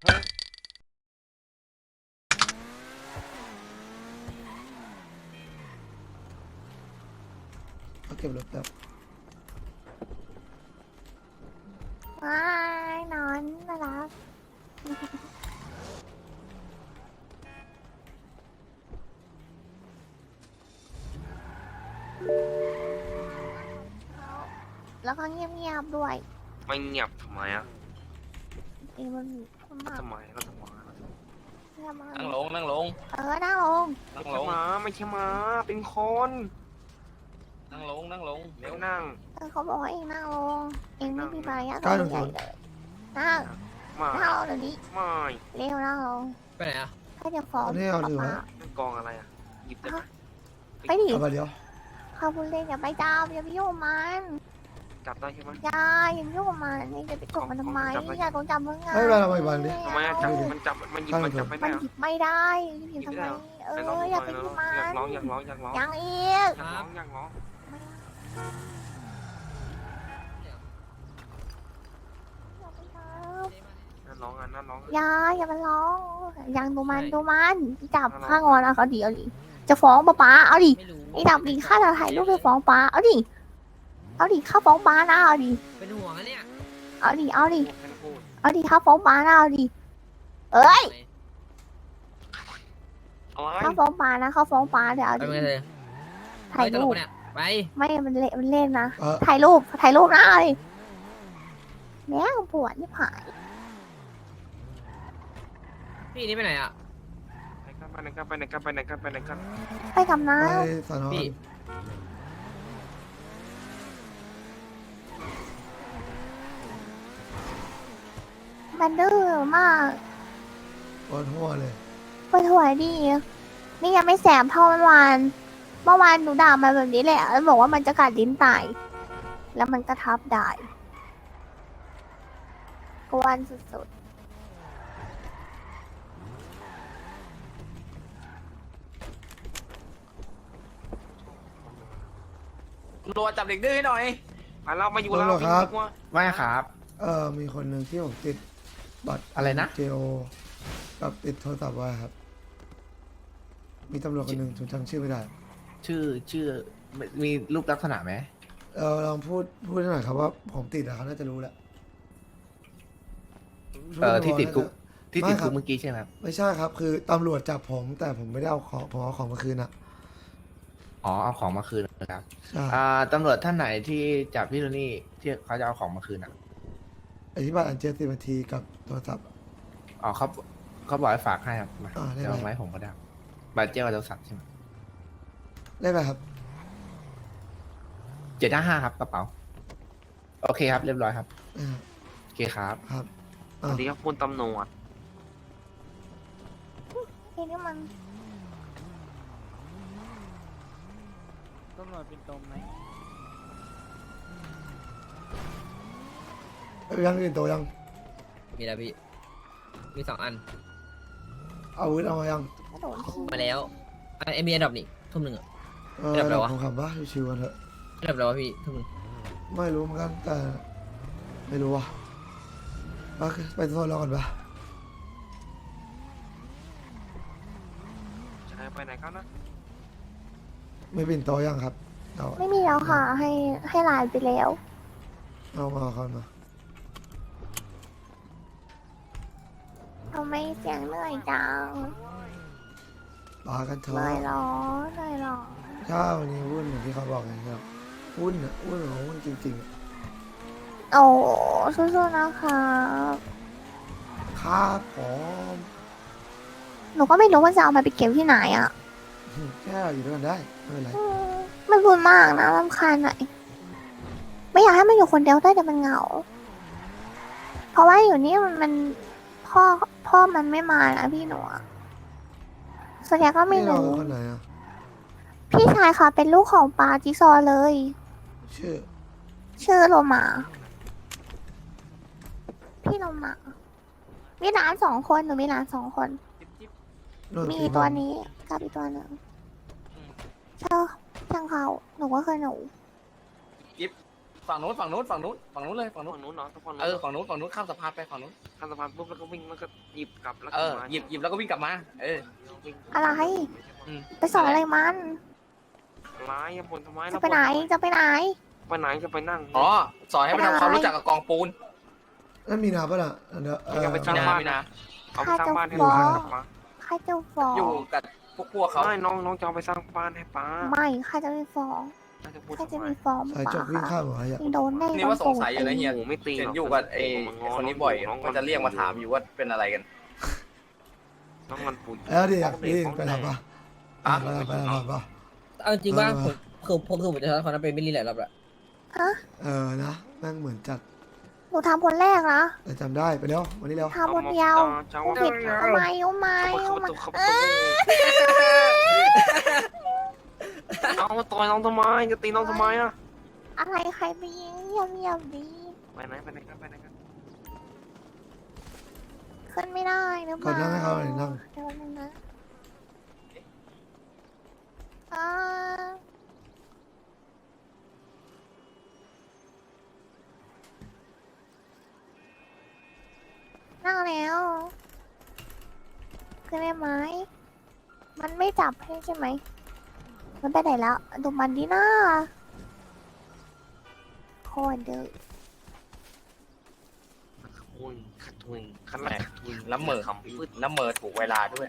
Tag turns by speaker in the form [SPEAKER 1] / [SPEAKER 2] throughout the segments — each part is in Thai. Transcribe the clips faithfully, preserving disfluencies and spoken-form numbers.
[SPEAKER 1] เขาเก็บรถแบบ
[SPEAKER 2] ว้ายนอนน่ารักแล้วก็เงียบๆด้วย
[SPEAKER 3] ไม่เงียบทำไมอ่ะ
[SPEAKER 2] เองมันมันมาก
[SPEAKER 3] ทำไมก็ทำไม
[SPEAKER 2] เงียบมาก
[SPEAKER 4] นั่งลงนั่งลง
[SPEAKER 2] เออนั่งลง
[SPEAKER 4] นั่
[SPEAKER 3] ไม่
[SPEAKER 4] งล
[SPEAKER 3] ใช่
[SPEAKER 4] ง
[SPEAKER 3] หมาไม่ใช่หมาเป็นคน
[SPEAKER 4] นั่งลงนั่งลง
[SPEAKER 3] เดี๋
[SPEAKER 4] เร็
[SPEAKER 3] ยว วนั่ง
[SPEAKER 2] เออเขาบอกว่าเองนั่งลงเองไม่มีมารยาท
[SPEAKER 1] เก้าหนึ่
[SPEAKER 2] ให
[SPEAKER 1] ง
[SPEAKER 2] ญ่
[SPEAKER 1] ศูนย์
[SPEAKER 2] เลยนั่ง
[SPEAKER 3] มา
[SPEAKER 2] นั่งลงเดี๋ยวนี้
[SPEAKER 3] ไม่
[SPEAKER 2] เร็วนั่งลง
[SPEAKER 4] ไปไหนอ่ะ
[SPEAKER 2] ให้จะฟ้อง
[SPEAKER 1] อันนี้เอาถือไว้
[SPEAKER 2] ป๊า
[SPEAKER 3] นั่งกองอะไรอ่ะหยิบได้ไหม
[SPEAKER 2] ไปดิ
[SPEAKER 1] เอาไปเดี๋ยว
[SPEAKER 2] เขาพูดเล่นอย่าไปจับอย่าไปยุ่งกับมัน
[SPEAKER 3] จับได้ใช่ไหม
[SPEAKER 2] อย่าอย่าไปยุ่งกับมันนี่จะไปกดมันทำไม
[SPEAKER 3] จับไว้
[SPEAKER 2] อย่าต้องจับมึงไง
[SPEAKER 1] ให้เวลาเราไปวันดิ
[SPEAKER 3] ทำไมอะจับมันจับมันหยิบมันจับไม่
[SPEAKER 2] มั
[SPEAKER 3] ได้
[SPEAKER 2] น
[SPEAKER 3] เหรอ
[SPEAKER 2] หยิบไม่ได้หยิบทำไมเอ
[SPEAKER 3] ไหนลอง
[SPEAKER 2] อ
[SPEAKER 3] ดู
[SPEAKER 2] อย่า
[SPEAKER 3] ห
[SPEAKER 2] ไป
[SPEAKER 3] น่อย
[SPEAKER 2] ยุ่ง
[SPEAKER 3] นะ
[SPEAKER 2] มัน
[SPEAKER 3] อยากร้องอยากร้องอยากร้อง
[SPEAKER 2] ยังอีก
[SPEAKER 3] อยากร้องอยากร้องนั่นร้องอ่ะนั่นร้อง
[SPEAKER 2] อย่าอย่ามาร้องยังดูมัน
[SPEAKER 4] ใช่
[SPEAKER 2] ดูมันจับ
[SPEAKER 3] อะไร
[SPEAKER 2] ข้างอนเอาเขาดิเอาดิจะฟ้องป๊าป๊าเอาดิ
[SPEAKER 4] ไม่รู้
[SPEAKER 2] ไอ้ดับดิข้าจะถ่ายรูปไปฟ้องป๊าเอาดิเอาดิข้าฟ้องป๊านะเอาดิ
[SPEAKER 4] เป็นห่วงอะเนี่ย
[SPEAKER 2] เอาดิเอาดิ
[SPEAKER 3] แค่พูด
[SPEAKER 2] เอาดิข้าฟ้องป๊านะเอาดิเอ้ย
[SPEAKER 3] อะไร
[SPEAKER 2] ข้าฟ้องป๊านะข้าฟ้องป๊าเดี๋ยวเอา
[SPEAKER 4] ไป
[SPEAKER 2] ดิ
[SPEAKER 4] เมื่อไหร่
[SPEAKER 2] ถ่าย
[SPEAKER 4] ตล
[SPEAKER 2] รู
[SPEAKER 4] ก
[SPEAKER 2] ป
[SPEAKER 4] ปะเนี่ยไป
[SPEAKER 2] ไม่มันเละมันเล่นนะ
[SPEAKER 1] เออ
[SPEAKER 2] ถ่ายรูปถ่ายรูปนะเอาดิแม่งปวดนี่ผาย
[SPEAKER 4] พี่นี่ไปไหนอ่ะ
[SPEAKER 3] ไปไหนกันไปไหนกันไปไหนกันไปไหนกัน
[SPEAKER 2] ไปกับน้า
[SPEAKER 1] ไปสอนอ
[SPEAKER 4] พี่
[SPEAKER 2] มันดื้อมาก
[SPEAKER 1] ปวดหัวเลย
[SPEAKER 2] ปวดหัวดินี่ยังไม่แสบเท่าเมื่อวานเมื่อวานหนูด่ามันแบบนี้แหละแล้วบอกว่ามันจะกัดลิ้นตาย แล้วมันก็ทับได้กวนสุด
[SPEAKER 4] รัวจับเด็กดื้อให้หน่อย
[SPEAKER 3] อ่ะเรามาอยู่แล้ว
[SPEAKER 1] ตำรวจครับ
[SPEAKER 3] ว่า
[SPEAKER 4] ไม่ครับ
[SPEAKER 1] เออมีคนหนึ่งที่ผมติดบัตร
[SPEAKER 4] อะไรนะ
[SPEAKER 1] เจโอกับติดโทรศัพท์ไว้ครับ มีตำรวจคนหนึ่งผมจำชื่อไม่ได้
[SPEAKER 5] ชื่อชื่อมีรูปลักษณะไหม
[SPEAKER 1] เออลองพูดพูดให้หน่อยครับว่าผมติดอะเขาน่าจะรู้แหละ
[SPEAKER 5] เออที่ติดคุกที่ติด
[SPEAKER 1] ไม่ค
[SPEAKER 5] คุ
[SPEAKER 1] รั
[SPEAKER 5] ก
[SPEAKER 1] บ
[SPEAKER 5] เมื่อกี้ใช่ไหมครับ
[SPEAKER 1] ไม่ใช่ครับ คือตำรวจจับผมแต่ผมไม่ได้เอาของผมเอาของมาคืนอะ
[SPEAKER 5] อ๋อเอาของมาคืนนะครับ
[SPEAKER 1] ใช่
[SPEAKER 5] อ่าตำรวจท่านไหนที่จับพี่โทนี่ที่เขาจะเอาของมาคืนอ่ะ
[SPEAKER 1] อธิบายอันเจสิบนาทีกับโทรศัพท์
[SPEAKER 5] อ๋อเขาเขาบอกให้ฝากให้ครับมา
[SPEAKER 1] อ่าได้
[SPEAKER 5] เดี๋ยว
[SPEAKER 1] ไหม
[SPEAKER 5] เอาไว้ผมก็ได้บัตรเจ้าโทรศัพท์ใช่ไหม
[SPEAKER 1] ได้ไหมครับ
[SPEAKER 5] เจ็ดห้าห้าครับกระเป๋าโอเคครับเรียบร้อยครับ
[SPEAKER 1] อ่า
[SPEAKER 5] โอเคครับ
[SPEAKER 1] ครับ
[SPEAKER 3] สวัสดีครับคุณตำรวจ
[SPEAKER 2] ๆไอ้นี่มัน
[SPEAKER 6] ตำรวจเป็นตรงไหม
[SPEAKER 1] เอายังกินโตยัง
[SPEAKER 4] มีแล้วพี่มีสองอัน
[SPEAKER 1] เอาอาวุธเอามายัง
[SPEAKER 2] กระโดดขี้
[SPEAKER 4] มาแล้วอันเอ็มบีอันดับนี่ทุ่มหนึ่งอ่ะ
[SPEAKER 1] เออ
[SPEAKER 4] เรียบร้อยวะ
[SPEAKER 1] ผมขับว่าชิวๆกันเถอะ
[SPEAKER 4] อันดับแล้ววะพี่ทุ่มหนึ่ง
[SPEAKER 1] ไม่รู้เหมือนกันแต่ไม่รู้ว่ะโอเคไปโทษเราก่อนปะ
[SPEAKER 3] จะให้ไปไหนกันนะ
[SPEAKER 1] ไม่ปิ่นโตยังครับเอา
[SPEAKER 2] ไม่มีแล้วค่ะ ให้ให้ไลน์ไปแล้ว
[SPEAKER 1] เอามาเอามา
[SPEAKER 2] ทำไมเสียงเหนื่อยจัง
[SPEAKER 1] ปากันเถ
[SPEAKER 2] เหนื่
[SPEAKER 1] อะ
[SPEAKER 2] อยเหรอเหนื่อยเหรอ
[SPEAKER 1] ใช่วันนี้วุ่นอย่างที่เขาบอกไงครับวุ่นอ่ะวุ่นของวุ่นจริงๆอะ
[SPEAKER 2] โอ้สู้ๆนะคะ
[SPEAKER 1] ครับผม
[SPEAKER 2] หนูก็ไม่รู้ว่าจะเอามาไปเก็บที่ไหนอ่ะ
[SPEAKER 1] แค่อยู่ด้วยกันได้ไม่เป็นไร
[SPEAKER 2] อืมไม่พูดมากนะรำคาญหน่อยไม่อยากให้มันอยู่คนเดียวได้แต่มันเหงา เพราะว่าอยู่นี่มันมันพ่อพ่อมันไม่มานะพี่หนูอะส่วนใหญ่ก็ไม่
[SPEAKER 1] นี่เรา
[SPEAKER 2] รู้
[SPEAKER 1] คนไหนอ่ะ
[SPEAKER 2] พี่ชายค่ะเป็นลูกของปาจิซอเลย
[SPEAKER 1] ชื่อ
[SPEAKER 2] ชื่อโลมา พี่โลมา มีหลานสองคนหนูมีหลานสองคน
[SPEAKER 1] โนน
[SPEAKER 2] มี
[SPEAKER 1] สี
[SPEAKER 2] ตัวนี้กับอีกตัวหนึ่งเช่าช่างเขาหนูก็เคยหนู
[SPEAKER 4] จิ๊บ
[SPEAKER 5] ฝั่งนู้นฝั่งนู้นฝั่งนู้นฝั่งนู้นเลยฝั่งนู้น
[SPEAKER 3] ฝั่งนู้นเนาะฝั่งนู้น
[SPEAKER 5] เออฝั่งนู้นฝั่งนู้นข้ามสะพานไปฝั่งนู้น
[SPEAKER 3] ข้ามสะพานปุ๊บแล้วก็วิ่งแล้วก็หยิบกลับแล้ว
[SPEAKER 5] เอ
[SPEAKER 3] ก็
[SPEAKER 5] อ
[SPEAKER 3] มา
[SPEAKER 5] หยิบหยิบแล้วก็วิ่งกลับมาเออ
[SPEAKER 3] วิ่ง
[SPEAKER 2] อะไร
[SPEAKER 5] อืม
[SPEAKER 2] ไปสอนอะไรมัน
[SPEAKER 3] ร้ายอย่าบ่นทำไม
[SPEAKER 2] จะไปไหนจะไปไหน
[SPEAKER 3] ไปไหนจะไปนั่ง
[SPEAKER 5] อ๋อสอนให้มันทำความรู้จักกับกองปูน
[SPEAKER 1] นั่นมีนาปะล่ะเดี๋ยวเออ
[SPEAKER 3] อย่าไป
[SPEAKER 5] มี
[SPEAKER 3] สร้าง
[SPEAKER 5] นา
[SPEAKER 3] บ้าน
[SPEAKER 5] มีนา
[SPEAKER 3] เอาไปสร้างบ้านให้
[SPEAKER 2] ฟ้
[SPEAKER 3] ป้า
[SPEAKER 2] อง
[SPEAKER 3] กลับมา
[SPEAKER 2] ใครจะฟ้อง
[SPEAKER 5] อยู่กับพวกพวกเขา
[SPEAKER 3] ไม่น้องน้องจะเอาไปสร้างบ้านให้ป้า
[SPEAKER 2] ไม่ใครจะไปฟ้อง
[SPEAKER 3] น่าจะพูด
[SPEAKER 2] ใครจะ
[SPEAKER 3] ทำไม
[SPEAKER 2] มีฟ้อง
[SPEAKER 1] สายจกวิ่งข้ามหัวอ่ะ
[SPEAKER 2] มีโดนแน่
[SPEAKER 5] นี่ว่าสงสัยอยู่นะเฮีย
[SPEAKER 3] โอ้ไม่ตี
[SPEAKER 5] เห็
[SPEAKER 3] ห
[SPEAKER 5] น
[SPEAKER 3] รอก
[SPEAKER 5] อยู่กับไอ้คนนี้บ่อยมันจะเรียกมาถามอยู่ว่าเป็นอะไรกัน
[SPEAKER 3] น้องมันปุ๋ย
[SPEAKER 1] แล้วดิอยากนี่ไปทำปะ
[SPEAKER 5] อ่ะ
[SPEAKER 1] ไปทำไปทำปะ
[SPEAKER 4] เอาจริงว่า
[SPEAKER 1] เออ
[SPEAKER 4] ผมคือผมคือผมจะทำคนนั้นเป็นไม่รีหลายรอบละ
[SPEAKER 2] ฮะ
[SPEAKER 1] เออนะแม่งเหมือนจัด
[SPEAKER 2] หนูทำคนแรกนะ
[SPEAKER 1] แต่จำได้ไปเร็ววันนี้เร็ว
[SPEAKER 2] ทำคนเดียว
[SPEAKER 3] เจ้า
[SPEAKER 2] ผู้ผิดทำไมทำไม
[SPEAKER 3] เข้า
[SPEAKER 2] ทำไม
[SPEAKER 3] ประตูเข้าประตูเอามาต่อยน้องทำไมจะตีน้องทำไมอ่ะ
[SPEAKER 2] อะไรใครไปยิงเงียบเงียบๆดี
[SPEAKER 3] ไปไหนไปไหนกันไปไหนกัน
[SPEAKER 2] ขึ้นไม่ได้หรือเป
[SPEAKER 1] ก่อน
[SPEAKER 2] ล่า
[SPEAKER 1] นั่งให้เขาหน่อยนั่ง
[SPEAKER 2] เดี๋ยวนึงนะอ่านั่งแล้วขึ้นได้ไหมมันไม่จับให้ใช่ไหมมันไปไหนแล้วดูมันดีนะโคตรดื้อ
[SPEAKER 3] อุ้ยขัดทุนขัดแหลกทุน
[SPEAKER 5] แล้วเหม่อ
[SPEAKER 3] คำพูด
[SPEAKER 5] แล้วเหม่อถูกเวลาด้วย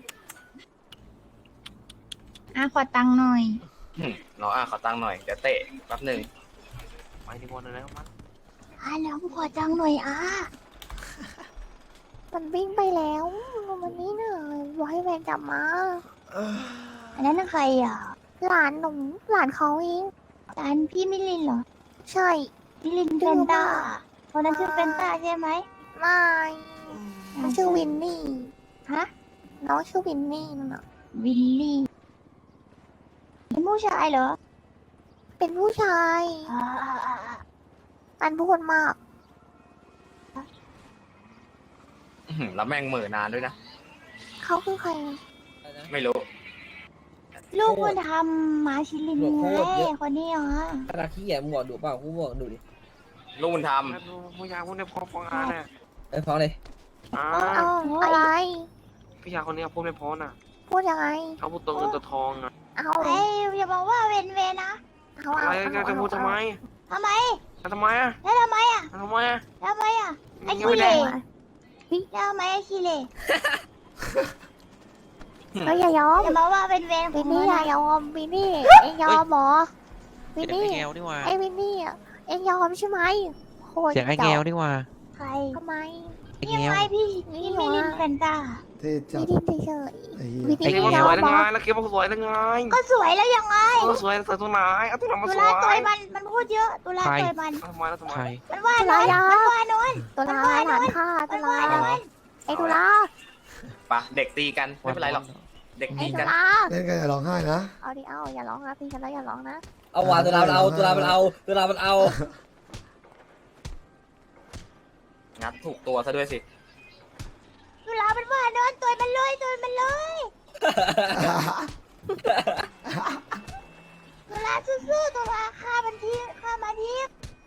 [SPEAKER 7] อ่ะขอตังค์หน่อย
[SPEAKER 5] อืมน้องอ่ะขอตังค์หน่อยเดี๋ยวเตะแป๊บหนึ่ง
[SPEAKER 3] ไปที่บอลแล้วมัน
[SPEAKER 7] อ่ะแล้วขอตังค์หน่อยอ่ะ
[SPEAKER 2] มันวิ่งไปแล้วมันนี่น่ะบอกให้แวนจับมา
[SPEAKER 7] อันนั้นน่ะใครอ่ะ
[SPEAKER 2] หลานหนูหลานเขาเอง
[SPEAKER 7] ร้านพี่มิลินเหรอ
[SPEAKER 2] ใช่
[SPEAKER 7] มิลินเฟนต้าคนนั้นชื่อเฟนต้าใช่ไหม
[SPEAKER 2] ไม่มันชื่อวินนี่
[SPEAKER 7] ฮะ
[SPEAKER 2] น้องชื่อวินนี่นั่นน่ะ
[SPEAKER 7] วินลี่เป็นผู้ชายเหรอ
[SPEAKER 2] เป็นผู้ชาย
[SPEAKER 7] อ่าอ่าอ่าอ่า
[SPEAKER 2] อันพูดมาก
[SPEAKER 5] อื้อหือแล้วแม่งเหม่อนานด้วยนะ
[SPEAKER 2] เขาคือใครอะ
[SPEAKER 5] ไม่รู้
[SPEAKER 7] ลูกคุณทำมาชิลินไงคนนี้เหรอ
[SPEAKER 4] ขนาดขี้แย่มึงบอกดูเปล่ากูบอกดูดิ
[SPEAKER 5] ลูกบุญธรรม
[SPEAKER 3] แล้วดูผู้ยาคนนี้พอฟังอ่านน่ะ
[SPEAKER 4] ไอ้ฟ้องเลย
[SPEAKER 3] อ่า
[SPEAKER 2] เอาอะไร
[SPEAKER 3] พี่ยาคนนี้พูดไม่พอน่ะ
[SPEAKER 2] พูดยังไง
[SPEAKER 3] เขาพูดตัวเงินตัวทองอ่ะ
[SPEAKER 2] เอา
[SPEAKER 7] เอ้ยอย่าบอกว่าเวนเวนนะ
[SPEAKER 2] เอา
[SPEAKER 3] อะ
[SPEAKER 2] เอา
[SPEAKER 3] ไร
[SPEAKER 2] เอา
[SPEAKER 3] จะพูดทำไม
[SPEAKER 7] ทำไม
[SPEAKER 3] ทำไมอ่ะ
[SPEAKER 7] แล้วทำไมอ่ะ
[SPEAKER 3] ทำไมอ่ะ
[SPEAKER 7] ทำไมอ่ะ ไอ้
[SPEAKER 3] ยัง
[SPEAKER 7] ขี้
[SPEAKER 3] ไม่
[SPEAKER 7] เห
[SPEAKER 3] ได้
[SPEAKER 7] ร่แล้วทำไมไอ้ขี้เหร่
[SPEAKER 2] เฮ้ยอย่ายอม
[SPEAKER 7] อย่ามาว่าเวนเวนข
[SPEAKER 2] วิ
[SPEAKER 7] อง
[SPEAKER 2] น
[SPEAKER 7] มั
[SPEAKER 2] นี่
[SPEAKER 7] น
[SPEAKER 2] อย่า
[SPEAKER 7] นะ
[SPEAKER 2] ยอมวินนี่เอ็งยอมเหรอวินนี่
[SPEAKER 8] เสียงไอ้แงวนี่หว่า
[SPEAKER 2] ไอ้วินนี่อะเอ็งยอมใช่ไหมโคตร
[SPEAKER 8] เสียงไอ้แงวนี่หว่า
[SPEAKER 7] ใคร
[SPEAKER 2] ทำไม
[SPEAKER 8] ไอ้
[SPEAKER 7] นี่
[SPEAKER 8] แงว
[SPEAKER 7] ไงพี่พี่มิลินเฟนต้า
[SPEAKER 1] เท่จั
[SPEAKER 2] วิ
[SPEAKER 1] ด
[SPEAKER 2] นนี่เฉย
[SPEAKER 1] ไอ้เหี้ย
[SPEAKER 2] วิน
[SPEAKER 3] เก็
[SPEAKER 2] นี่
[SPEAKER 3] บ
[SPEAKER 2] ย
[SPEAKER 3] มา
[SPEAKER 2] อ
[SPEAKER 3] ส
[SPEAKER 2] ม
[SPEAKER 3] วย
[SPEAKER 2] เหร
[SPEAKER 3] ได้
[SPEAKER 2] อ
[SPEAKER 3] ไงแล้วเก็บมาสวยได้ไง
[SPEAKER 7] ก็สวยแล้วยังไง
[SPEAKER 3] เออสวยสวยตัวไหนเอาตัวไหนมา
[SPEAKER 7] ตุ
[SPEAKER 3] สว
[SPEAKER 7] ลาย ต่อยมันมันพูดเยอะตุลา
[SPEAKER 8] ใคร
[SPEAKER 7] ต่อยมัน
[SPEAKER 3] ทำไมแล้วทำไม
[SPEAKER 8] ใคร
[SPEAKER 7] มันว่าน้อยมันว่าน้อย
[SPEAKER 2] ตัวลาหลานข้าตั
[SPEAKER 7] มั
[SPEAKER 2] วน ลา
[SPEAKER 7] ว่าน้อย
[SPEAKER 2] ไอ้ตัวลา
[SPEAKER 5] ปะเด็กตีกันไม่เป็นไรหรอก เด็ก
[SPEAKER 2] ไอ้
[SPEAKER 5] ตี
[SPEAKER 2] ตั
[SPEAKER 5] กั
[SPEAKER 2] วน ลา
[SPEAKER 1] เล่นกันอย่าร้องไห้นะ
[SPEAKER 2] เอาดิเอาอย่าร้องนะพี่กันแล้วอย่าร้องนะ
[SPEAKER 4] เอาว่ะตุลามันเอาตุลามันเอาตุลามันเอา
[SPEAKER 5] งัดถูกตัวซะด้วยสิ
[SPEAKER 7] ตุลามันว่าน้อยต่อยมันเลยต่อยมันเลยตุลาซื่อๆตุลาฆ่ามันทีฆ่ามันที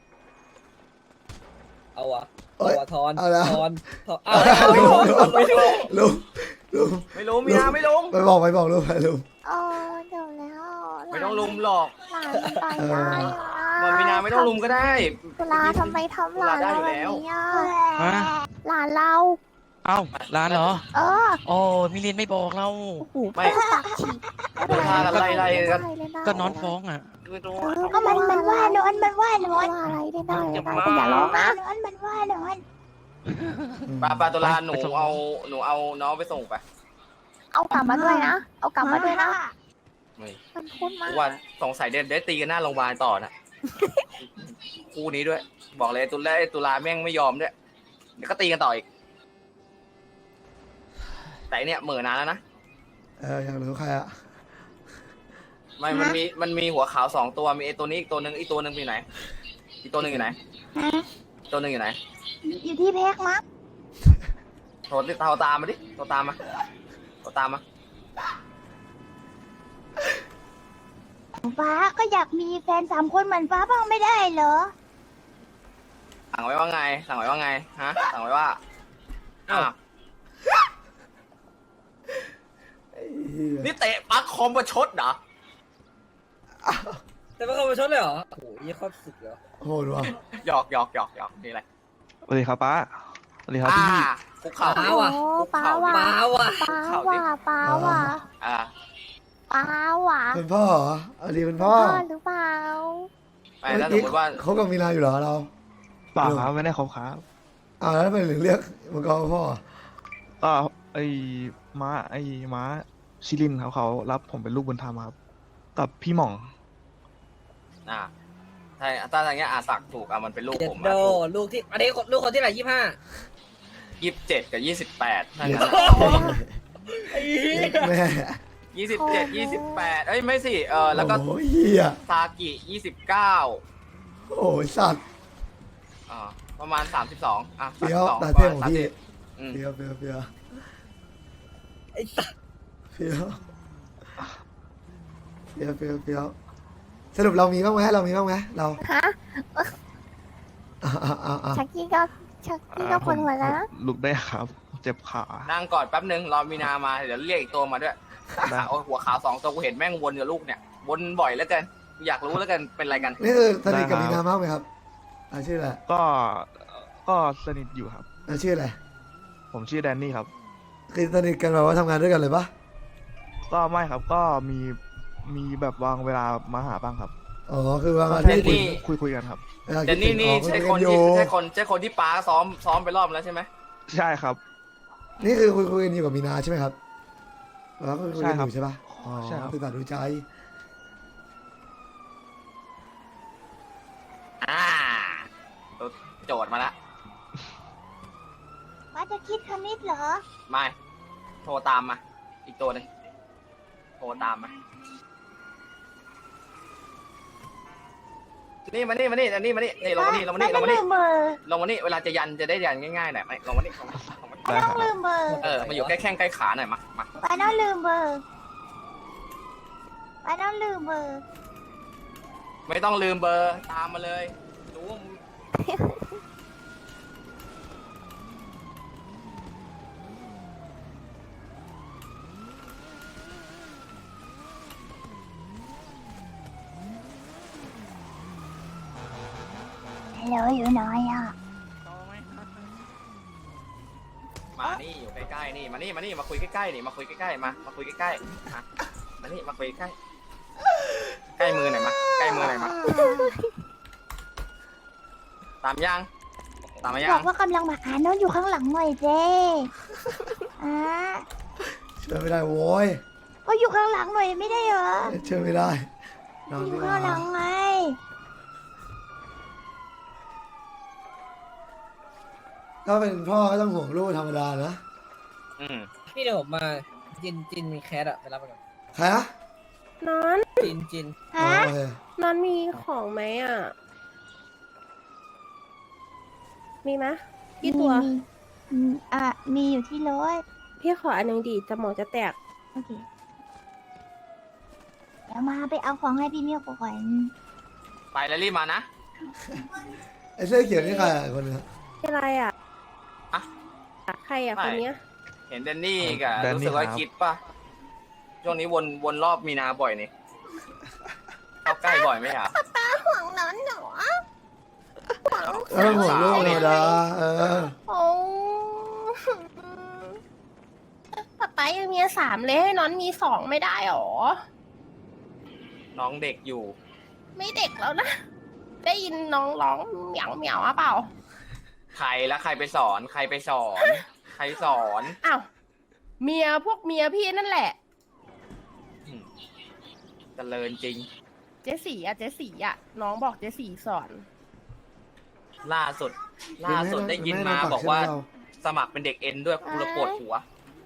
[SPEAKER 4] เอาว่ะ
[SPEAKER 1] เอ้
[SPEAKER 4] เอา
[SPEAKER 1] ย
[SPEAKER 4] ว่ะทอน
[SPEAKER 1] เอาแล้ว
[SPEAKER 4] ทอนทอนเอา
[SPEAKER 1] ลุงลุงลุง
[SPEAKER 5] ไม่รู้มีนาไม่ลง
[SPEAKER 1] ไปบอกไปบอกลุงไปลุง
[SPEAKER 2] เออเดี๋ยวแล้ว
[SPEAKER 5] ไม่ต้องลุมหรอก
[SPEAKER 2] หลานมันต่อยได้อะ
[SPEAKER 5] มันมีนาไม่ต้องลุมก็ได้
[SPEAKER 2] ตุลาทำไมทำหลานเราแบบนี้อะ
[SPEAKER 8] ฮะ
[SPEAKER 2] หลานเรา
[SPEAKER 8] เอ้าร้านเหรอ
[SPEAKER 2] เออ
[SPEAKER 8] โอ้มิเรียนไม่บอกเรา
[SPEAKER 2] โอ้โห
[SPEAKER 5] ไม่
[SPEAKER 2] พูดตักฉีก
[SPEAKER 5] ตุลากันไล่ไล่กัน
[SPEAKER 8] ก็นอนฟ้องอ่ะ
[SPEAKER 3] ไม่รู้
[SPEAKER 2] เออ
[SPEAKER 7] ก็มันมันว่าน้อยมันว่าน้อย
[SPEAKER 2] ว่าอะไรได้ได้ได้แต่อย่าร้องนะ
[SPEAKER 7] น้อยมันว่าน้อย
[SPEAKER 5] ปาปาตุลา
[SPEAKER 8] ไป
[SPEAKER 5] หนู
[SPEAKER 8] ไปส่ง
[SPEAKER 5] เอาหนูเอาน้องไปส่งไป
[SPEAKER 2] เอากลับมาด้วยนะ เอากลับมาด้วยนะ
[SPEAKER 5] ไม่
[SPEAKER 2] มันพูดมาก
[SPEAKER 5] ว่าสงสัยเด็ดได้ตีกันหน้าโรงพยาบาลต่อนะคู่นี้ด้วย บอกเลยตุลาตุลาแม่งไม่ยอมด้วยเดี๋ยวก็ตีกันต่ออีก แต่อันเนี่ยเหม่อนานแล้วนะ
[SPEAKER 1] เอออยากรู้ใครอะ
[SPEAKER 5] ไม่มันมีมันมีหัวขาวสองตัวมีไอตัวนี้อีกตัวหนึ่งอีกตัวหนึ่งอยู่ไหนอีกตัวหนึ่งอยู่ไหนอีกตัวหนึ่งอยู่ไหน
[SPEAKER 7] อยู่ที่แพ็กมั้ง
[SPEAKER 5] โทรติดโทรตามมาดิโทรตามมาโทรตามมา
[SPEAKER 7] ฟ้าก็อยากมีแฟนสามคนเหมือนฟ้าบ้างไม่ได้เหรอ
[SPEAKER 5] สั่งไว้ว่าไง สั่งไว้ว่าไง ฮะ สั่งไว้ว่า
[SPEAKER 4] อ้าว
[SPEAKER 5] อ่ะ
[SPEAKER 1] ไอ้เหี้ย
[SPEAKER 5] นี่เตะปลั๊กคอมประชดเหรอ
[SPEAKER 4] แต่ว่าเขาไปชดเลยเหรอโอ้โหยี่ครอบสุดเหรอ
[SPEAKER 1] โหดว่ะ
[SPEAKER 5] หยอกหยอกหยอกหยอกนี่อะไร
[SPEAKER 9] สวัสดีครับป้าสวัสดีครับ
[SPEAKER 5] อ่า
[SPEAKER 9] พี่
[SPEAKER 5] คุกเข่า
[SPEAKER 4] ป้า
[SPEAKER 5] ดิ
[SPEAKER 4] ว่ะ
[SPEAKER 2] โอ้ป้าว่ะ
[SPEAKER 4] ป้าว่ะ
[SPEAKER 2] ป้าว่ะป้าว่ะ
[SPEAKER 5] อ่า
[SPEAKER 2] ป้าว่ะ
[SPEAKER 1] เป็นพ่อเหรออันนี้เป็นพ่อ
[SPEAKER 2] พ่อหรือเปล่า
[SPEAKER 5] ไม่ถ้าสมมติว่า
[SPEAKER 1] เขากับมีนาอยู่เหรอเรา
[SPEAKER 9] เปล่าครับไม่ได้คบครับ
[SPEAKER 1] อ้าวแล้วทำไมถึงเรียกมังกรว่าพ่อ
[SPEAKER 9] ก็ไอ้ม้าไอ้ม้าชิลินครับเขารับผมเป็นลูกบุญธรรมครับกับพี่หม่อง
[SPEAKER 5] อ่าถ้าถ้าอย่างเงี้ยอาสักถูกอ่ะมันเป็นลูก
[SPEAKER 4] เจ็ด
[SPEAKER 5] ผม
[SPEAKER 4] โด
[SPEAKER 5] อ่ะถูก
[SPEAKER 4] ลูกที่อันนี้ลูกคนที่ไหนยี่ห้า
[SPEAKER 5] ยี่สิบเจ็ดกับยี่สิบแปดถ้า
[SPEAKER 1] เรีย
[SPEAKER 5] งั้
[SPEAKER 1] ก
[SPEAKER 5] น
[SPEAKER 4] ไอ้เหี้ย
[SPEAKER 1] แม่
[SPEAKER 5] ยี่สิบเจ็ดยี่สิบแปดเอ้ยไม่สิเออแล้วก็
[SPEAKER 1] โอ้ยเหี้ย
[SPEAKER 5] ซากิยี่สิบเก้า
[SPEAKER 1] โอ้ยสัตว์
[SPEAKER 5] อ่าประมาณสามสิบสองอ่ะ
[SPEAKER 1] เฟี้ยว
[SPEAKER 5] สามสิบสอง
[SPEAKER 1] ตาเท่ของพี่
[SPEAKER 5] อืม
[SPEAKER 1] เฟี้ยวเฟี้ยวเฟี้ยว
[SPEAKER 4] ไอ้สัส
[SPEAKER 1] เฟี้ยวเฟี้ยวเฟี้ยวเฟี้ยวสรุปเรามีบ้างไหมเรามีบ้างไหมเรา
[SPEAKER 2] ฮะ
[SPEAKER 1] อ่าอ่าอ่าอ่า
[SPEAKER 2] ชักกี้ก็ชักกี้ก็ปวดหัวแล้วนะ
[SPEAKER 9] ลุกได้ครับ เจ็บขา
[SPEAKER 5] นั่งก่อนแป๊บนึงรอมีนามาเดี๋ยวเรียกอีกตัวมาด้วย
[SPEAKER 9] ได้
[SPEAKER 5] โอ้ยหัวขาวสองตัวกูเห็นแม่งวนกับลูกเนี่ยวนบ่อยแล้วกันกูอยากรู้แล้วกันเป็นอะไรกัน
[SPEAKER 1] นี่คือสนิทกับมีนามากไหมครับอ่าชื่ออะไร
[SPEAKER 9] ก็ก็สนิทอยู่ครับ
[SPEAKER 1] อ่าชื่ออะไร
[SPEAKER 9] ผมชื่อแดนนี่ครับ
[SPEAKER 1] คือสนิทกันแบบว่าทำงานด้วยกันเลยปะ
[SPEAKER 9] ก็ไม่ครับก็มีมีแบบวางเวลามาหาบ้างครับ
[SPEAKER 1] อ๋อคือว่ามา
[SPEAKER 5] เจ
[SPEAKER 1] ที่
[SPEAKER 5] นนี่
[SPEAKER 9] คุยคุยกันครับ
[SPEAKER 1] วลา
[SPEAKER 5] เจนนี่นี่
[SPEAKER 1] คิด
[SPEAKER 5] ใช่
[SPEAKER 1] ถึง
[SPEAKER 5] ค
[SPEAKER 1] อ๋อน คุย
[SPEAKER 5] ที่
[SPEAKER 1] กัอยู่
[SPEAKER 5] ใช่คนใช่คนที่ป้าซ้อมซ้อมไปรอบแล้วใช่ไหม
[SPEAKER 9] ใช่ครับ
[SPEAKER 1] นี่คือคุยคุยกันอยู่กับมีนาใช่ไหมครับแล้วคุยคุยกันอ
[SPEAKER 9] ใช่ครับ
[SPEAKER 1] ยู่ใช่ปะอ๋อ
[SPEAKER 9] ใช่ครับ
[SPEAKER 1] คือตัดดูใจ
[SPEAKER 5] อ่าโจทย์มาละ
[SPEAKER 7] ว่าจะคิดคณิตเหรอ
[SPEAKER 5] ไม่โทรตามมา อีกตัวหนึ่งโทรตามมานี่มานี่มานี่อันนี้มานี่นี่ลงมานี่ลงมานี่ลงมา
[SPEAKER 7] ลื
[SPEAKER 5] นี่
[SPEAKER 7] มเบอร์
[SPEAKER 5] ลงมานี่เวลาจะยันจะได้ยันง่ายๆหน่อยไหมลงมานี่ลงมาลงมานี่
[SPEAKER 7] ไม่ต้องลืมเบอร์
[SPEAKER 5] เออมาอยู่ใกล้แข้งใกล้ขาหน่อยมามา
[SPEAKER 7] ไม่ต้องลืมเบอร์ไม่ต้องลืมเบอร์
[SPEAKER 5] ไม่ต้องลืมเบอร์ตามมาเลยรู้ว่ามึง
[SPEAKER 7] ฮัลโหลอยู่ไหนอ่ะ
[SPEAKER 5] มานี่อยู่ใกล้ๆนี่มานี่มานี่มาคุยใกล้ๆนี่มาคุยใกล้ๆมามาคุยใกล้ๆมามานี่มาคุยใกล้ใกล้มือหน่อยมาใกล้มือหน่อยมาตามยังตามมายั
[SPEAKER 7] บอง กว่ากำลังมาอ่านโน้ตอยู่ข้างหลังหน่อยเจ้อ่า
[SPEAKER 1] เชื่อไม่ได้โว้ย
[SPEAKER 7] ก็อยู่ข้างหลังหน่อยไม่ได้เหรอ
[SPEAKER 1] เชื่อไม่ได้นอน
[SPEAKER 7] อ
[SPEAKER 1] ดี
[SPEAKER 7] ยู่
[SPEAKER 1] ก
[SPEAKER 7] ข้างหลั
[SPEAKER 1] ว่าง
[SPEAKER 7] ไง
[SPEAKER 1] ถ้าเป็นพ่อก็ต้องห่วงลูกธรรมดานะ
[SPEAKER 5] อืม
[SPEAKER 4] นี่เดี๋ยวผมมาจินจินมีแคสอะไปรับมาก่อน
[SPEAKER 1] ใครอะ
[SPEAKER 10] นอน
[SPEAKER 4] จินจิน
[SPEAKER 1] อ๋อ
[SPEAKER 7] ฮะ
[SPEAKER 1] โอเคน
[SPEAKER 10] อนมีของไหมอ่ะ มีไหมกี่ตัว
[SPEAKER 7] มีมีอืมอ่ะมีอยู่ที่รถ
[SPEAKER 10] พี่ขออันหนึ่งดีสมองจะแตก
[SPEAKER 7] โอเคเดี๋ยวมาไปเอาของให้พี่เมียวก่อน
[SPEAKER 5] ไปแล้วรีบมานะ
[SPEAKER 1] ไอ้เสื้อเขียวนี่ใครอะคนนึงอะ
[SPEAKER 10] อะไรอ่ะ
[SPEAKER 5] อะ
[SPEAKER 10] ใครอ่ะ
[SPEAKER 5] ไม่
[SPEAKER 10] คนเนี้ย
[SPEAKER 5] เห็นแดนนี่กับ
[SPEAKER 9] แดนนี่
[SPEAKER 5] รู้สึกว่า
[SPEAKER 9] ครับ
[SPEAKER 5] คิดป่ะช่วงนี้วนวนรอบมีนาบ่อยนี่เข้าใกล้บ่อยไหมอ่ะ
[SPEAKER 2] ห่วงนอนหนู
[SPEAKER 1] เออห่วงลูกธรรมดาเออ
[SPEAKER 10] โอ้ป๊าป๊ายังมีสามเลยให้นอนมีสองไม่ได้หรอ
[SPEAKER 5] น้องเด็กอยู่
[SPEAKER 10] ไม่เด็กแล้วนะ ได้ยินน้องร้องเหมียวเหมียวอ่ะเปล่า
[SPEAKER 5] ใครแล้วใครไปสอน ใครไปสอน ใครสอน
[SPEAKER 10] อ้าวเมียพวกเมียพี่นั่นแหละ
[SPEAKER 5] อืมเจริญจริง
[SPEAKER 10] เจสีอ่ะเจสีอ่ะ น้องบอกเจสีสอน
[SPEAKER 5] ล่าสุด ล่าสุดได้ยินมาบอกว่าสมัครเป็นเด็กเอ็นด้วยกูระปวดหัว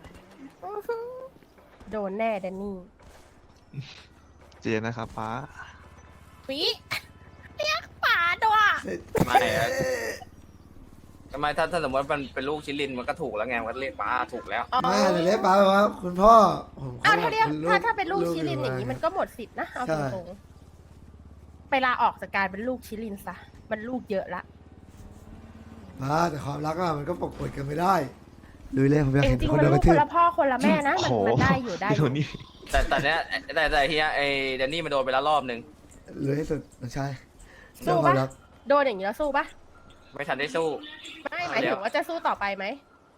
[SPEAKER 10] โดนแน่แดนนี่
[SPEAKER 9] เจนนะครับป้า
[SPEAKER 10] ปีเรียกป๋าด้วย
[SPEAKER 5] ไม่อะทำไมถ้าถ้าสมมติมันเป็นลูกชิลินมันก็ถูกแล้วไงมันก็เรียกป้าถูกแล้ว
[SPEAKER 1] แม่เรียกป้าว่าคุณพ่อผม
[SPEAKER 10] อ้าวถ้าเรียก
[SPEAKER 1] คุณ
[SPEAKER 10] ถ้าถ้าเป็นลูกชิลินอย่าง
[SPEAKER 1] นี้
[SPEAKER 10] นี้มันก็หมดสิทธินะเอา
[SPEAKER 1] ใช่
[SPEAKER 10] ตรงๆไปลาออกจากการเป็นลูกชิลินซะ มันลูกเยอะละ
[SPEAKER 1] มาแต่ความรักอะมันก็ปกปิดกันไม่ได้ลุยเลยผมอยาก
[SPEAKER 10] จ
[SPEAKER 1] เห็น
[SPEAKER 10] ริง
[SPEAKER 1] คน
[SPEAKER 10] ๆมัน
[SPEAKER 1] โดน
[SPEAKER 10] ลู
[SPEAKER 1] ก
[SPEAKER 10] ก
[SPEAKER 1] ระทื
[SPEAKER 10] คน
[SPEAKER 1] บ
[SPEAKER 10] ละพ่อคนละแม่นะมัน
[SPEAKER 9] โอ้โห
[SPEAKER 10] มันได้อยู่ได้อ
[SPEAKER 9] เดี๋ย
[SPEAKER 10] ยู่
[SPEAKER 9] วนี้
[SPEAKER 5] แต่แต่เนี้ยแต่แต่เฮียไอเดนนี่มันโดนไปแล้วรอบนึง
[SPEAKER 1] ลุยให้สุดน้องชาย
[SPEAKER 10] สู้
[SPEAKER 1] เรื่องความ
[SPEAKER 10] ปะ
[SPEAKER 1] รัก
[SPEAKER 10] โดนอย่างนี้แล้วสู้ปะ
[SPEAKER 5] ไม่ทันได้สู้
[SPEAKER 10] ไม่หมายถึงว่าจะสู้ต่อไปไหม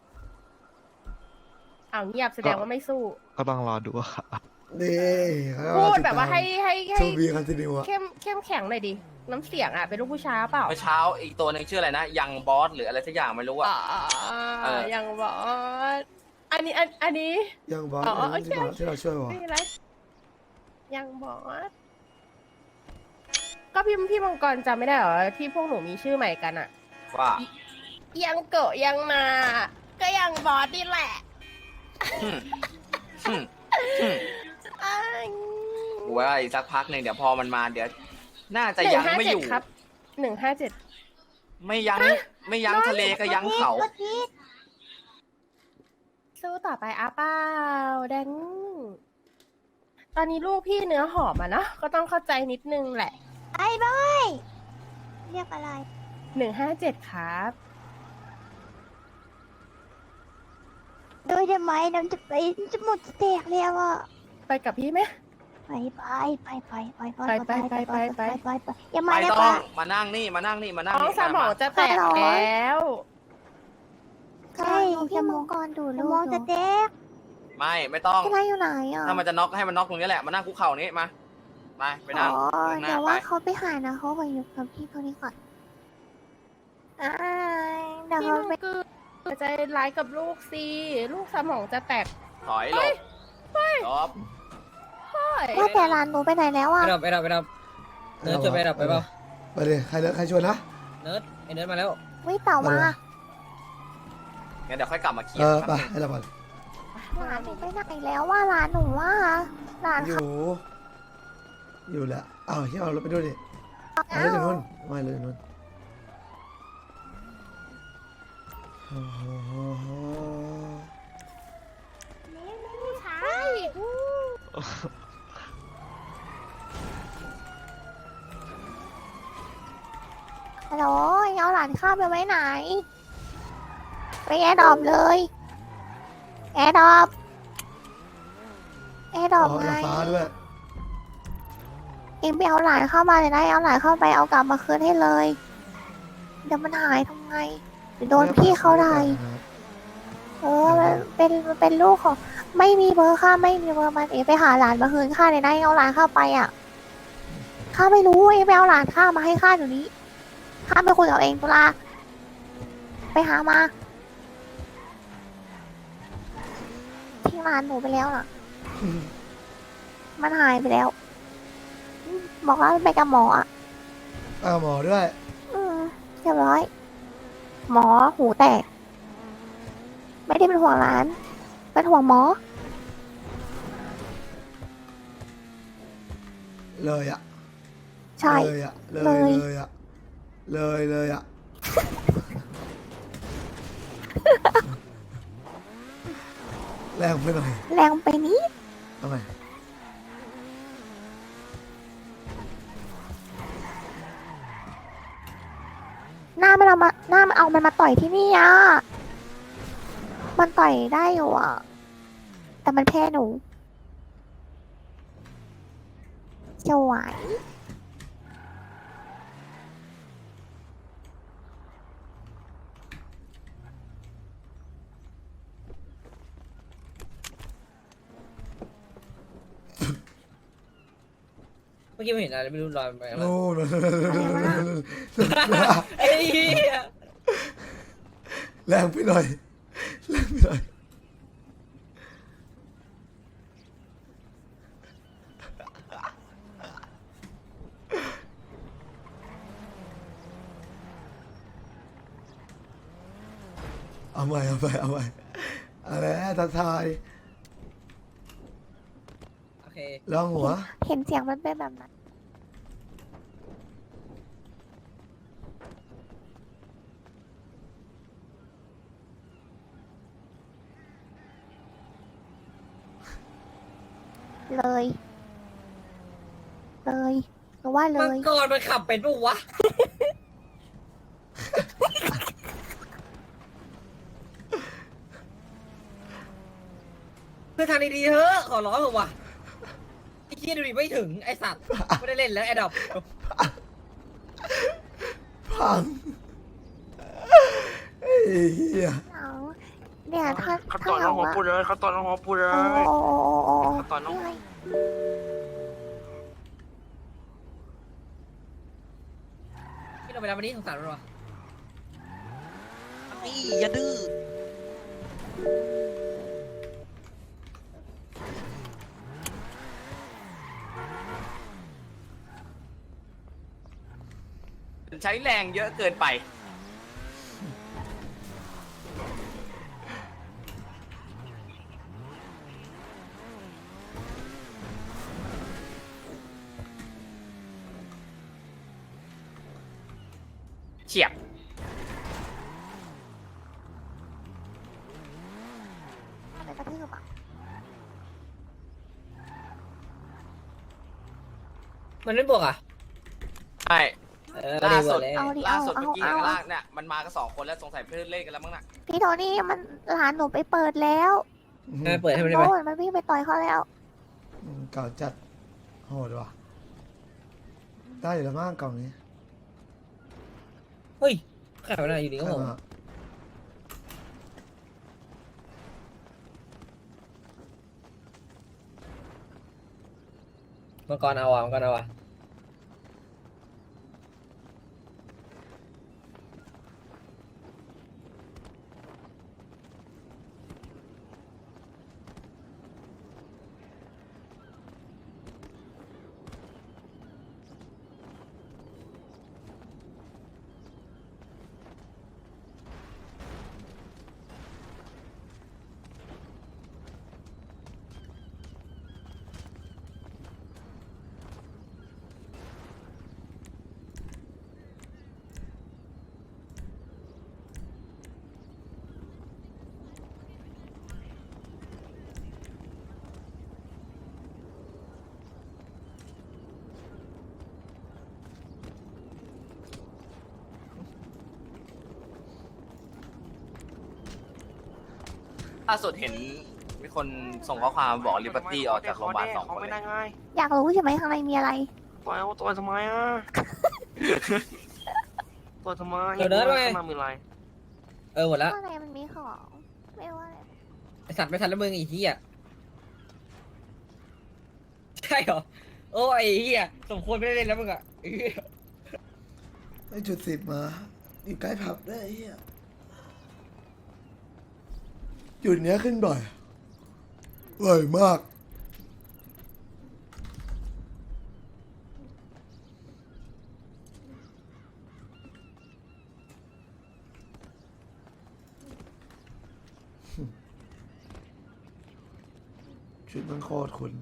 [SPEAKER 10] อ้าวเงียบแสดงว่าไม่สู้
[SPEAKER 9] ก็ต้องรอดูครับ
[SPEAKER 1] นี่เขาก็
[SPEAKER 10] พูด
[SPEAKER 1] ติ
[SPEAKER 10] แบบว่า
[SPEAKER 1] ตม
[SPEAKER 10] ให้ให้ให้
[SPEAKER 1] ทูบีคอนติเนียอะ
[SPEAKER 10] เข้มเข้มแข็งหน่อยดิน้ำเสียงอ่ะเป็นลูกผู้ชายเปล่า
[SPEAKER 5] เมื่อเช้าอีกตัวหนึ่งชื่ออะไรนะยังบอสหรืออะไรสักอย่างไม่รู้อะ
[SPEAKER 10] อ๋อ
[SPEAKER 5] เออ
[SPEAKER 10] ยังบอกอันนี้อันอันนี้
[SPEAKER 1] ยังบอส
[SPEAKER 10] อ๋อ
[SPEAKER 1] อันนี้ที่
[SPEAKER 10] โอ
[SPEAKER 1] เรา
[SPEAKER 10] เค
[SPEAKER 1] ที่เราช่วยวะ
[SPEAKER 10] ไม่เป็นไรยังบอกก็พี่พี่มังกรจำไม่ได้เหรอที่พวกหนูมีชื่อใหม่กันอ่ะ
[SPEAKER 5] ว่า
[SPEAKER 10] ยังเกะยังนา ก็ยังบอสนี่แหละ
[SPEAKER 5] อืมอืมอืม
[SPEAKER 10] อ้าย
[SPEAKER 5] กูว่าอีกสักพักหนึ่งเดี๋ยวพอมันมาเดี๋ยว น่าจะ
[SPEAKER 10] หนึ่
[SPEAKER 5] ยัง
[SPEAKER 10] ห้า
[SPEAKER 5] ไม่
[SPEAKER 10] เจ็
[SPEAKER 5] อ
[SPEAKER 10] ด
[SPEAKER 5] ยู่
[SPEAKER 10] ครับหนึ่งห้าเจ็ด
[SPEAKER 5] ไม่ยั้งไม่ยั้งทะเลก็ยั้งเขา
[SPEAKER 7] รถพีช
[SPEAKER 10] สู้ต่อไปอาเป้าแดงตอนนี้ลูกพี่เนื้อหอมอ่ะเนอะก็ต้องเข้าใจนิดนึงแหละ
[SPEAKER 7] ไอ้บอยเรียกอะไร
[SPEAKER 10] หนึ่งห้าเจ็ดครับ
[SPEAKER 7] โดยทำไมน้ำจะไปจะหมดจะแตกแล้วอ่ะ
[SPEAKER 10] ไปกับพี่ไหม
[SPEAKER 7] ไปไปไปไปไปไป
[SPEAKER 10] ไปไปไปไป
[SPEAKER 7] ไปไปอย่า
[SPEAKER 5] ไม่
[SPEAKER 7] มาได้
[SPEAKER 5] ต้อ
[SPEAKER 7] ปะ
[SPEAKER 5] งมานั่งนี่มานั่งนี่มานั่ง
[SPEAKER 10] น้อง
[SPEAKER 5] นี่
[SPEAKER 10] สมองจะแตกแล้ว
[SPEAKER 7] ใช่
[SPEAKER 2] พี่มังกรดู
[SPEAKER 7] ส
[SPEAKER 2] ลู
[SPEAKER 7] ม
[SPEAKER 2] ก
[SPEAKER 7] องจะแตก
[SPEAKER 5] ไม่ไม่ต้อง
[SPEAKER 2] พี่ไรอยู่ไหนอ่ะ
[SPEAKER 5] ถ้ามันจะน็อกให้มันน็อกตรงนี้แหละมานั่งคุกเข่านี้มาไปไปนั่ง
[SPEAKER 2] อ๋อ
[SPEAKER 5] หน้า
[SPEAKER 2] เดี๋ยว
[SPEAKER 5] ไป
[SPEAKER 2] ว่าเขาไปหานะเขาไปอยู่กับพี่คนนี้ก่อนอ่าเดี๋ยว
[SPEAKER 10] พี่
[SPEAKER 2] เขา
[SPEAKER 10] มัง
[SPEAKER 2] ไป
[SPEAKER 10] กรใจร้ายกับลูกสิลูกสมองจะแตก
[SPEAKER 5] ถอยหลบจบ
[SPEAKER 10] เฮ้ย
[SPEAKER 2] ว่าแต่ร้านหนูไปไหนแล้ว
[SPEAKER 4] ไป
[SPEAKER 2] อ่ะ
[SPEAKER 4] ดับไปดับไปดับเนิร์ดชวนไปดับไปเปล่า
[SPEAKER 1] ไปเลยใครเลิกใครชวนนะ
[SPEAKER 4] เนิร์ดไอเนิร์ดมาแล้ว
[SPEAKER 2] วิเต่ามา
[SPEAKER 5] งั้นเดี๋ยวค่อยกลับมาเคลีย
[SPEAKER 1] เอ
[SPEAKER 5] ร์
[SPEAKER 1] อไปให้เราก่อน
[SPEAKER 2] ร้านหนูไปไหนแล้วว่าร้านหนูว่าร้าน
[SPEAKER 1] อ
[SPEAKER 2] เขา
[SPEAKER 1] ยู่ อยู่แหละอ้าวที่เอารถไปด้วยดิเอารถจากนู้นไม่เลยนู้นโอ้โห
[SPEAKER 10] ใช่
[SPEAKER 2] ฮัลโหลเอาหลานข้ามไปไว้ไหน ไปแอร์ดรอปเลย แอร์ดรอปแอร์ดรอป
[SPEAKER 1] อ๋อ
[SPEAKER 2] ไง
[SPEAKER 1] แล้วฟ้าด้วย
[SPEAKER 2] เองไปเอาหลานเข้ามาเลยนะเอาหลานเข้าไปเอากลับมาคืนให้เลย เดี๋ยวมันหายทำไงเดี๋ยวโดนพี่เขาได้ เออมันเป็นมันเป็นลูกของไม่มีเบอร์ค่าไม่มีเบอร์มันเองไปหาหลานมาคืนข้าเลยนะเอาหลานเข้าไปอ่ะข้าไม่รู้เองไปเอาหลานข้ามาให้ข้าเดี๋ยวนี้ข้าไปคุยกับเองตุลาไปหามาทิ้งหลานหนูไปแล้วน่ะ
[SPEAKER 1] อืม
[SPEAKER 2] มันหายไปแล้วอืมบอกว่าไปกับหมออ่ะ
[SPEAKER 1] เอาหมอด้วย
[SPEAKER 2] อืมเรียบร้อย หมอหูแตก ไม่ได้เป็นห่วงหลาน เป็นห่วงหมอ
[SPEAKER 1] เลยอ่ะ
[SPEAKER 2] ใช่
[SPEAKER 1] เลยอ่ะ เลย
[SPEAKER 2] เลย
[SPEAKER 1] เลยอ่ะ เลยเลยอ่ะ แรงไปหน่อย
[SPEAKER 2] แรงไปนี้
[SPEAKER 1] ทำไม
[SPEAKER 2] หน้ามันเอามาหน้ามันเอามันมาต่อยที่นี่อ่ะ มันต่อยได้อยู่อ่ะ แต่มันแพ้หนูจะไหว
[SPEAKER 4] เมื่อกี้ไม่เห็นอะไรไม่รู้ลอยไปอะไร
[SPEAKER 1] โน่น
[SPEAKER 4] ไอ้เหี้ย
[SPEAKER 1] แรงไปหน่อย แรงไปหน่อย เอาใหม่เอาใหม่เอาใหม่อะไรทักทาย
[SPEAKER 4] โอเค
[SPEAKER 1] ลองหัว
[SPEAKER 2] เห็นเสียงมันเป็นแบบนั้น เลย เลยหรือว่าเล
[SPEAKER 4] มัง
[SPEAKER 2] ย
[SPEAKER 4] กรมันขับเป็นปะวะเพื่อนทางดีๆเถอะขอร้องเถอะว่ะไอ้เหี้ยดูดิไม่ถึงไอ้สัตว์ไม่ได้เล่นแล้วไอ้ดอก
[SPEAKER 1] พังไอ้เหี้ย
[SPEAKER 2] เอาเนี่ยถ้า
[SPEAKER 3] เขา
[SPEAKER 2] ถ้า
[SPEAKER 3] ต่อยน้
[SPEAKER 2] เรา
[SPEAKER 3] องหัว
[SPEAKER 2] ว่า
[SPEAKER 3] ปูเลยเขาต่อยน้องหัวปูเลย
[SPEAKER 2] โอ้โอ้โอ้โอ้โอ้
[SPEAKER 3] เขาต่อยน้อง
[SPEAKER 2] นี่ไง
[SPEAKER 4] พี่ลงไปรับวันนี้สงสารมันวะ
[SPEAKER 8] นี่อย่าดื้อ
[SPEAKER 5] ใช้แรงเยอะเกินไปเฉียบ
[SPEAKER 2] อะไรกระทืบอ่ะ
[SPEAKER 4] มันไม่บวกอ่ะ
[SPEAKER 5] ใช่
[SPEAKER 4] เออ
[SPEAKER 5] ล่าสุด
[SPEAKER 4] เลย
[SPEAKER 2] เอาดิ
[SPEAKER 5] ล่า
[SPEAKER 2] เอา
[SPEAKER 5] สุด
[SPEAKER 2] เอา
[SPEAKER 5] เมื่อกี้
[SPEAKER 2] เอา
[SPEAKER 5] ข้าง
[SPEAKER 2] เอา
[SPEAKER 5] ล่างเนี่ยมันมากันสองคนแล้วสงสัยเพื่อนเล่นกันแล้วมั้งน่ะ
[SPEAKER 2] พี่โทนี่มันหลานหนูไปเปิดแล้ว
[SPEAKER 4] เออเปิดให้มันได้ไหม
[SPEAKER 2] โอ้ยมันวิ่งไปต่อยเขาแล้ว
[SPEAKER 1] อืมเก่าจัดโหดว่ะได้อยู่แล้วมั้งกล่องนี้
[SPEAKER 4] เฮ้ยขายไปไหนอยู่ดีก็
[SPEAKER 1] ใช่
[SPEAKER 4] ผม
[SPEAKER 1] ไหม
[SPEAKER 4] มังกรเอาอ่ะมังกรเอาอ่ะ
[SPEAKER 5] ล่าสุดเห็นมีคนส่งข้อความบอกลิเบอร์ตี้ออกจากโรงพยาบาลสองคน
[SPEAKER 3] ไม่
[SPEAKER 5] เล
[SPEAKER 3] ได้
[SPEAKER 5] ย
[SPEAKER 3] ไง
[SPEAKER 2] อยากรู้ใช่ไหมข้างในมีอะไร
[SPEAKER 3] ต่อยเอาต่อยทำไมอ่ะต่อยทำไม
[SPEAKER 4] เดี๋ยวเดินไป
[SPEAKER 3] ข้างหน้ามีอะไร
[SPEAKER 4] เออหมดแล้ว
[SPEAKER 2] ข้างในมันมีของ ไม่รู้ว่าอะไร
[SPEAKER 4] ไอสัตว์ไม่ทันแล้วมึงไอีเหี้ยใช่เหรอโอ้ไอ้เหี้ยสมควรไม่ได้เล่นแล้วมึงอ่ะไอ้เหี้ย
[SPEAKER 1] ไอ้จุดสิบมาอยู่ใกล้ผับด้วยไอ้เหี้ยจุดเนี้ยขึ้นบ่อยบ่อยมากชุดมันโคตรคุณ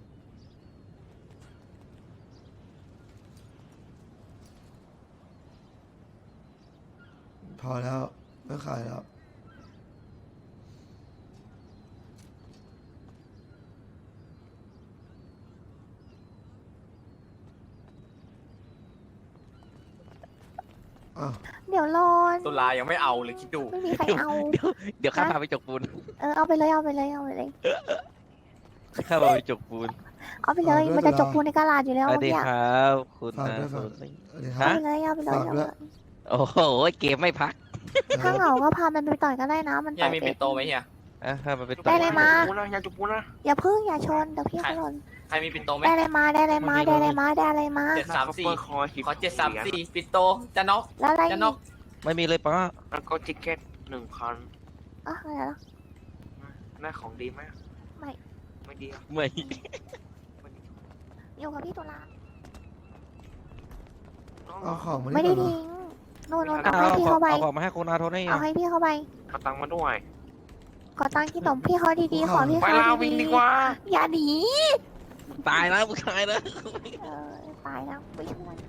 [SPEAKER 1] พอแล้วไม่ขายแล้ว อ้าว
[SPEAKER 2] เดี๋ยวรอน
[SPEAKER 5] ตุลายังไม่เอาเลยคิดดู
[SPEAKER 2] ไม่มีใครเอา
[SPEAKER 8] เดี๋ยวเดี๋ยวข้าพาไปจกปูน
[SPEAKER 2] เออเอาไปเลยเอาไปเลยเอาไปเลย
[SPEAKER 8] ข้าพาไปจกปูน
[SPEAKER 2] เอาไปเลย มันจะจบปูนในกระลาดอยู่แล้ว
[SPEAKER 8] สวัสดี
[SPEAKER 2] เนี่ย
[SPEAKER 8] ครับคุณ
[SPEAKER 1] ฝาก
[SPEAKER 8] นะ
[SPEAKER 1] ด้วยฝาก
[SPEAKER 8] คุณ
[SPEAKER 1] สวัสดีค
[SPEAKER 2] เอา
[SPEAKER 1] รับ
[SPEAKER 2] ไปเลยเอาไปเลย
[SPEAKER 1] ฝาก
[SPEAKER 2] เอา
[SPEAKER 1] ด้วย
[SPEAKER 2] ไปเลย
[SPEAKER 8] โอ้โหเกมไม่พัก
[SPEAKER 2] ถ้าเหงาก็พามันไปต่อยก็ได้นะ มัน
[SPEAKER 5] เฮีย
[SPEAKER 2] ต่อย
[SPEAKER 5] มี
[SPEAKER 2] เป็
[SPEAKER 5] ปิ
[SPEAKER 2] น
[SPEAKER 5] นโตไหมเฮีย
[SPEAKER 8] อ่ะข้ามาไป
[SPEAKER 2] ได้เลยมา
[SPEAKER 3] จุกปูนะอย่าจุกปูนะ
[SPEAKER 2] อย่าพึ่งอย่าชนเดี๋ยวพี่เขาหล่น
[SPEAKER 5] ใครมีปินโตไหม
[SPEAKER 2] ได้เลยมาได้เลยมาได้เลยมาได้เลยมา
[SPEAKER 5] เจ็ดสามสี่
[SPEAKER 3] เปิดคอหิบ
[SPEAKER 5] ขอเจ็ดสามสี่ปินโตจะน็อก
[SPEAKER 2] แล้วอะไร
[SPEAKER 5] จะ
[SPEAKER 2] อี
[SPEAKER 5] น็อก
[SPEAKER 2] ก
[SPEAKER 8] ไม่มีเลยป้า
[SPEAKER 3] แล้วก็จิกเก็ตหนึ่งคัน
[SPEAKER 2] อ่ะอะไรแล้ว
[SPEAKER 3] ได้ของดีไหม
[SPEAKER 2] ไม่
[SPEAKER 3] ไม่ดีอะ
[SPEAKER 8] ไม่
[SPEAKER 2] อยู่กับพี่ตุลา
[SPEAKER 1] เอาของมา
[SPEAKER 2] ไม่ได้
[SPEAKER 1] ก่อน
[SPEAKER 2] ทิ้งโน่นโน่น
[SPEAKER 8] เอา
[SPEAKER 2] เอาให้พี่
[SPEAKER 8] ขอ
[SPEAKER 2] เขาไป
[SPEAKER 8] เอาของมาให้คุณอาโทนี่
[SPEAKER 2] เอาให้พี่เขาไป
[SPEAKER 3] เอาตังค์มาด้วย
[SPEAKER 2] ขอตังค์ที่ตมพี่เขาดีๆขอพี่
[SPEAKER 3] ไป
[SPEAKER 2] เขา
[SPEAKER 3] ลาวิ่ง
[SPEAKER 2] ดี
[SPEAKER 3] ดีกว่า
[SPEAKER 2] ๆอย่าหนี
[SPEAKER 8] ตายแล้วผู้ชายแล้ว
[SPEAKER 2] เออตายแล้วไปช่วย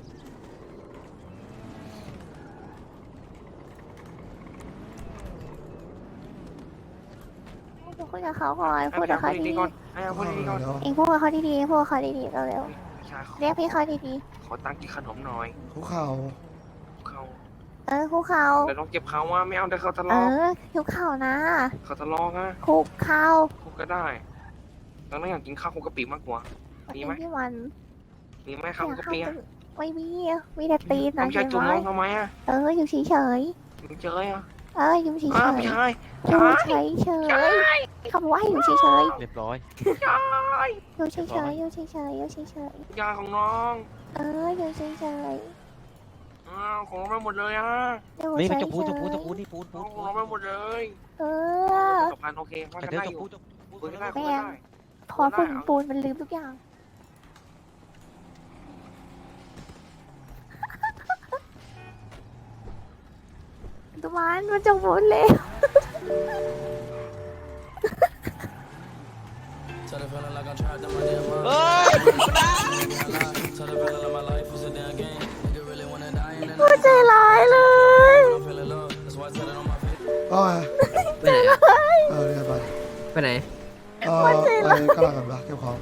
[SPEAKER 2] พูดกับเขาก่อนพูดกับเขา
[SPEAKER 3] ให้
[SPEAKER 2] ดี
[SPEAKER 3] ดีๆก่อนให้เอาพูดดีๆก่อน
[SPEAKER 1] เดี๋ยว
[SPEAKER 2] ๆเองพูดกับเขาดีๆเองพูดกับเขาดีๆเร็ว
[SPEAKER 3] พี่ชายขอ
[SPEAKER 2] ๆเรียกพี่เขาดี
[SPEAKER 3] ขอตังค์กินขนมหน่อย
[SPEAKER 1] คุกเข่า
[SPEAKER 3] เขา
[SPEAKER 2] ๆเออคุกเขา
[SPEAKER 3] แต่ต้องเจ็บเขาว่าไม่เอาแต่เขาทะ
[SPEAKER 2] เอ
[SPEAKER 3] เลาะ
[SPEAKER 2] อคุกเข่านะ
[SPEAKER 3] เขาทะเลาะนะ
[SPEAKER 2] คุกเข่า
[SPEAKER 3] คุกก็ได้แล้วน้องอยากกินข้าวคลุกกะปิมากกว่า มีไหม
[SPEAKER 2] พี่วัน
[SPEAKER 3] มีไหมข้าวคลุกกะปิอะ
[SPEAKER 2] ไม่มีอะมีแต่ตีน
[SPEAKER 3] น้อ
[SPEAKER 2] นะ
[SPEAKER 3] งชายจุ่ม
[SPEAKER 2] ใช่
[SPEAKER 3] น้
[SPEAKER 2] ไหม
[SPEAKER 3] องทำไมอะ
[SPEAKER 2] เอออยู่เฉยเฉย
[SPEAKER 3] มึงเจออ่ะ
[SPEAKER 2] ๆเอออยู่เฉย
[SPEAKER 3] อ้าว
[SPEAKER 2] เฉ
[SPEAKER 3] ไม่
[SPEAKER 2] ย
[SPEAKER 3] ใช่
[SPEAKER 2] อยู่
[SPEAKER 3] ใช่
[SPEAKER 2] เฉยเฉยๆคำว่าอยู่เฉยเฉย
[SPEAKER 8] เรียบร้อย
[SPEAKER 3] ใช่
[SPEAKER 2] ๆอยู่เฉยเฉยๆอยู่เฉยเฉยๆอยู่เฉยเฉย
[SPEAKER 3] ยาของน้อง
[SPEAKER 2] ๆเอออยู่เฉยเฉย
[SPEAKER 3] อ้าวของน้องไปหมดเลยอ่ะ
[SPEAKER 2] ๆอยู่
[SPEAKER 8] นี่
[SPEAKER 2] เฉ
[SPEAKER 8] มัน
[SPEAKER 2] ย
[SPEAKER 8] จะพูด
[SPEAKER 2] เฉ
[SPEAKER 8] จะพูด
[SPEAKER 2] ย
[SPEAKER 8] จะพูดนี่พูด
[SPEAKER 3] น้
[SPEAKER 8] พู
[SPEAKER 3] อง
[SPEAKER 8] ด
[SPEAKER 3] ของน้องไปหมดเลย
[SPEAKER 2] ๆเออ
[SPEAKER 3] สะพานโอเคว่า
[SPEAKER 8] แต่
[SPEAKER 3] กัน
[SPEAKER 8] เดี๋ยว
[SPEAKER 3] ได้
[SPEAKER 8] จะ
[SPEAKER 3] อยู่
[SPEAKER 8] พูดจะ
[SPEAKER 3] คุยกันได้
[SPEAKER 2] แม่
[SPEAKER 3] คุยกันได้
[SPEAKER 2] พอฝุ่นปูนมันลืมทุกอย่างตุมันมันจะหมุนเลย
[SPEAKER 8] เฮ้ย
[SPEAKER 2] พูดใจร้ายเลย
[SPEAKER 1] ก็ไง
[SPEAKER 3] ไปไหนอะ
[SPEAKER 1] เออเรียนไป
[SPEAKER 3] ไปไหน
[SPEAKER 1] เออไปกำลังกันปะเก็บของ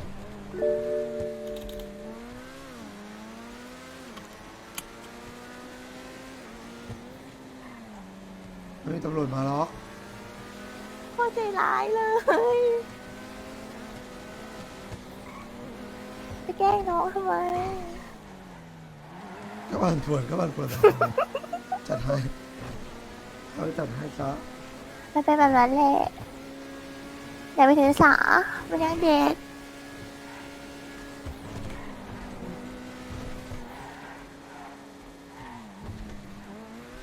[SPEAKER 1] ไม่มีตำรวจมาหรอก
[SPEAKER 2] พูดใจร้ายเลย ไปแกล้งน้องทำไม
[SPEAKER 1] ก็บันปวดก็บันปวดจัดให้เขาจัดให้ซะ
[SPEAKER 2] มันเป็นแบบนั้นแหละอย่าไปถือสามันยังเด็ก